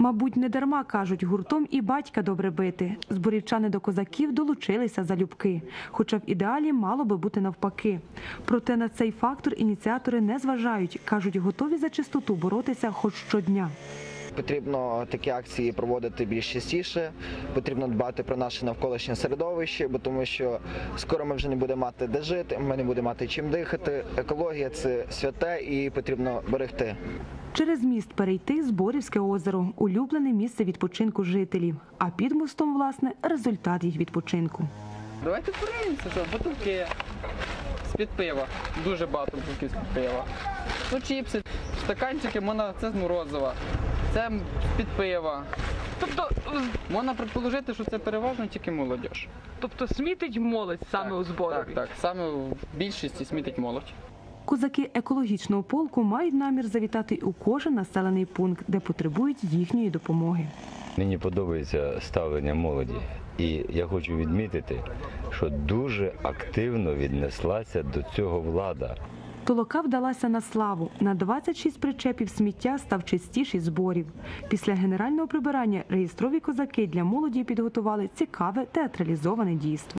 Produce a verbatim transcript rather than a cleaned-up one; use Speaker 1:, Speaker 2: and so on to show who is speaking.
Speaker 1: Мабуть, не дарма, кажуть, гуртом і батька добре бити. Зборівчани до козаків долучилися залюбки, хоча в ідеалі мало би бути навпаки. Проте на цей фактор ініціатори не зважають, кажуть, готові за чистоту боротися хоч щодня.
Speaker 2: Потрібно такі акції проводити більш частіше, потрібно дбати про наше навколишнє середовище, бо тому що скоро ми вже не будемо мати де жити, ми не будемо мати чим дихати. Екологія – це святе і потрібно берегти.
Speaker 1: Через міст перейти Зборівське озеро – улюблене місце відпочинку жителів. А під мостом, власне, результат їх відпочинку.
Speaker 3: Давайте подивимося, що бутилки з-під пива, дуже багато бутилків з-під пива. Ну, чіпси, стаканчики, можна, це з морозива, це з-під пива.
Speaker 4: Тобто,
Speaker 3: Можна предположити, що це переважно тільки молодь.
Speaker 4: тобто смітить молодь саме
Speaker 3: Так,
Speaker 4: у Зборові?
Speaker 3: Так, так, саме в більшості смітить молодь.
Speaker 1: Козаки екологічного полку мають намір завітати у кожен населений пункт, де потребують їхньої допомоги.
Speaker 5: Мені подобається ставлення молоді. І я хочу відмітити, що дуже активно віднеслася до цього влада.
Speaker 1: Толока вдалася на славу. На двадцять шість причепів сміття став чистіший Зборів. Після генерального прибирання реєстрові козаки для молоді підготували цікаве театралізоване дійство.